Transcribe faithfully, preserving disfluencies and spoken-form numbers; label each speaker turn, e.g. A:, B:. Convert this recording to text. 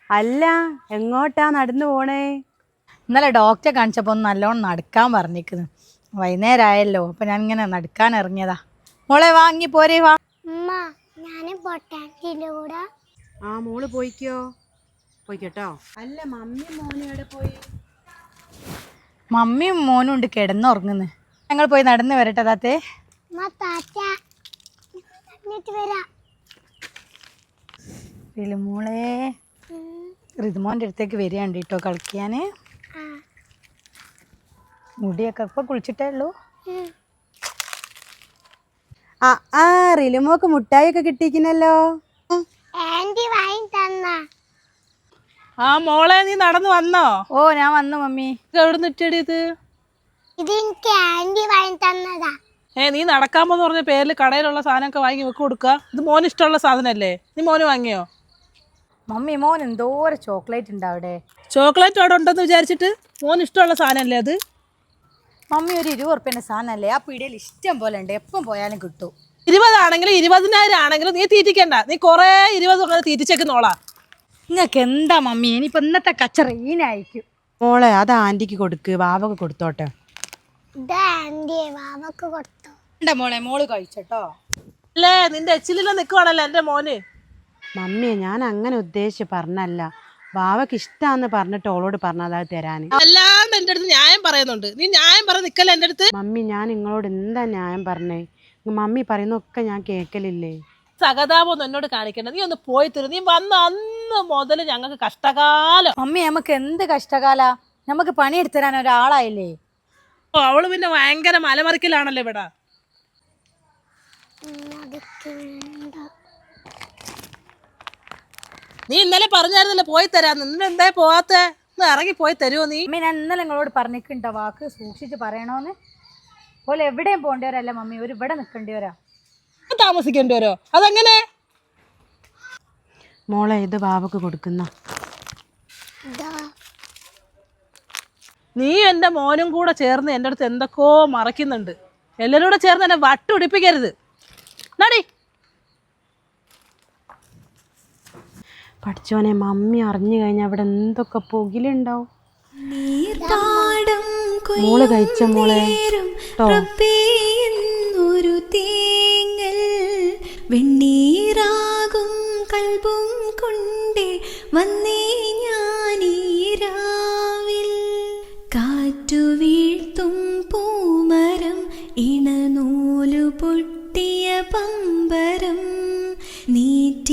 A: അല്ല എങ്ങോട്ടാ നടന്നു പോണേ?
B: ഇന്നലെ ഡോക്ടറെ കാണിച്ചപ്പോൾ ഒന്ന് നല്ലോണം നടക്കാൻ പറഞ്ഞിരിക്കുന്നു. വൈകുന്നേരം ആയല്ലോ, അപ്പം ഞാൻ ഇങ്ങനെ നടക്കാൻ ഇറങ്ങിയതാ. മോളെ വാങ്ങി പോരേ വാ.
A: ആ മോള് പോയിക്കോ പോയിക്കോട്ടോ. അല്ല മമ്മി മോനും എവിടെ പോയി?
B: മമ്മിയും മോനും ഉണ്ട് കിടന്നുറങ്ങുന്നു. ഞങ്ങൾ പോയി നടന്ന് വരട്ടെ താത്തേ. മോളെ ഋതുമോൻ്റെ അടുത്തേക്ക് വരികയുണ്ട് കേട്ടോ കളിക്കാൻ. മുടിയൊക്കെ ഇപ്പൊ കുളിച്ചിട്ടേ ഉള്ളൂ.
A: ആ ആ റിലുമോക്ക് മുട്ടായി ഒക്കെ കിട്ടിയിരിക്കുന്നല്ലോ.
C: ആ മോളെ നീ നടന്നു വന്നോ?
B: ഓ ഞാൻ വന്നു മമ്മി.
C: എവിടെ നിറ്റടി ഇത്? ഏ നീ നടക്കാൻ പോന്ന് പറഞ്ഞ പേരിൽ കടയിലുള്ള സാധനമൊക്കെ വാങ്ങി വെക്ക് കൊടുക്കുക. ഇത് മോന് ഇഷ്ടമുള്ള സാധനല്ലേ? നീ മോന് വാങ്ങിയോ?
B: മമ്മി മോൻ എന്തോരം ചോക്ലേറ്റ് ഉണ്ട് അവിടെ.
C: ചോക്ലേറ്റ് അവിടെ ഉണ്ടെന്ന് വിചാരിച്ചിട്ട് മോന് ഇഷ്ടമുള്ള സാധനമല്ലേ അത്?
B: മമ്മി ഒരു ഇരുപത് ഉറുപ്പ്യൻ്റെ സാധനമല്ലേ, ആ പീടികയിൽ ഇഷ്ടം പോലെ ഉണ്ട്, എപ്പം പോയാലും കിട്ടും.
C: ഇരുപതാണെങ്കിലും ഇരുപതിനായിരം ആണെങ്കിലും നീ തീറ്റിക്കണ്ട. നീ കുറേ ഇരുപത് അങ്ങനെ തീറ്റിച്ചേക്കുന്നോളാ.
B: നിങ്ങൾക്ക് എന്താ മമ്മി, ഇനിയിപ്പോൾ ഇന്നത്തെ കച്ചറ ഈനായിരിക്കും.
A: മോളെ അത് ആന്റിക്ക് കൊടുക്ക്, ബാബക്ക് കൊടുത്തോട്ടെ.
B: എന്താ മോളെ മോള് കഴിച്ചട്ടോ.
C: അല്ലേ നിന്റെ എച്ചിലില്ല നിൽക്കുവാണല്ലോ എൻ്റെ മോന്.
A: മമ്മിയെ ഞാൻ അങ്ങനെ ഉദ്ദേശിച്ച് പറഞ്ഞല്ല, ബാവക്ക് ഇഷ്ടാന്ന് പറഞ്ഞിട്ട് ഓളോട് പറഞ്ഞതാ തരാന്.
C: അല്ലാണ്ട് എൻ്റെ അടുത്ത് ന്യായം പറയുന്നുണ്ട്. നീ ന്യായം പറ നിക്കല്ലേ എൻ്റെ അടുത്ത്.
A: മമ്മി ഞാൻ നിങ്ങളോട് എന്താ ന്യായം പറഞ്ഞേ? മമ്മി പറയുന്നൊക്കെ ഞാൻ കേക്കലില്ലേ?
C: സഹതാപമൊന്നും എന്നോട് കാണിക്കണ്ട. നീ ഒന്ന് പോയി തരും. നീ വന്ന അന്ന് മുതൽ ഞങ്ങൾക്ക് കഷ്ടകാലം.
B: മമ്മി നമുക്ക് എന്ത് കഷ്ടകാല, നമുക്ക് പണിയെടുത്തു തരാൻ ഒരാളായില്ലേ.
C: ഓ അവള് പിന്നെ ഭയങ്കര മലമറിക്കലാണല്ലോ ഇവിടെ. നീ ഇന്നലെ പറഞ്ഞായിരുന്നല്ലോ പോയി തരാന്ന്. നിന്നെ എന്താ പോവാത്ത? ഇറങ്ങി പോയി തരുമോ നീ?
B: മമ്മി ഞാൻ ഇന്നലെ നിങ്ങളോട് പറഞ്ഞിട്ടുണ്ടോ വാക്ക് സൂക്ഷിച്ച് പറയണോന്ന്? പോലെ എവിടെയും പോകേണ്ടവരല്ല മമ്മി, ഒരു ഇവിടെ നിൽക്കേണ്ടിവരാ.
C: താമസിക്കേണ്ടി വരോ? അതെങ്ങനെ?
A: മോളെ ഇത് ബാവക്ക് കൊടുക്കുന്ന.
C: നീ എൻ്റെ മോനും കൂടെ ചേർന്ന് എൻ്റെ അടുത്ത് എന്തൊക്കെയോ മറയ്ക്കുന്നുണ്ട്. എല്ലാവരും കൂടെ ചേർന്ന് എന്നെ വട്ടുപിടിപ്പിക്കരുത്. നടി
A: പഠിച്ചോനെ, മമ്മി അറിഞ്ഞു കഴിഞ്ഞാൽ അവിടെ എന്തൊക്കെ പുകിലുണ്ടാവും. മോള് കഴിച്ച മോളെ
D: ഒരു തേങ്ങൽ വെണ്ണീറാകും കൽബും കൊണ്ടേ വന്നേ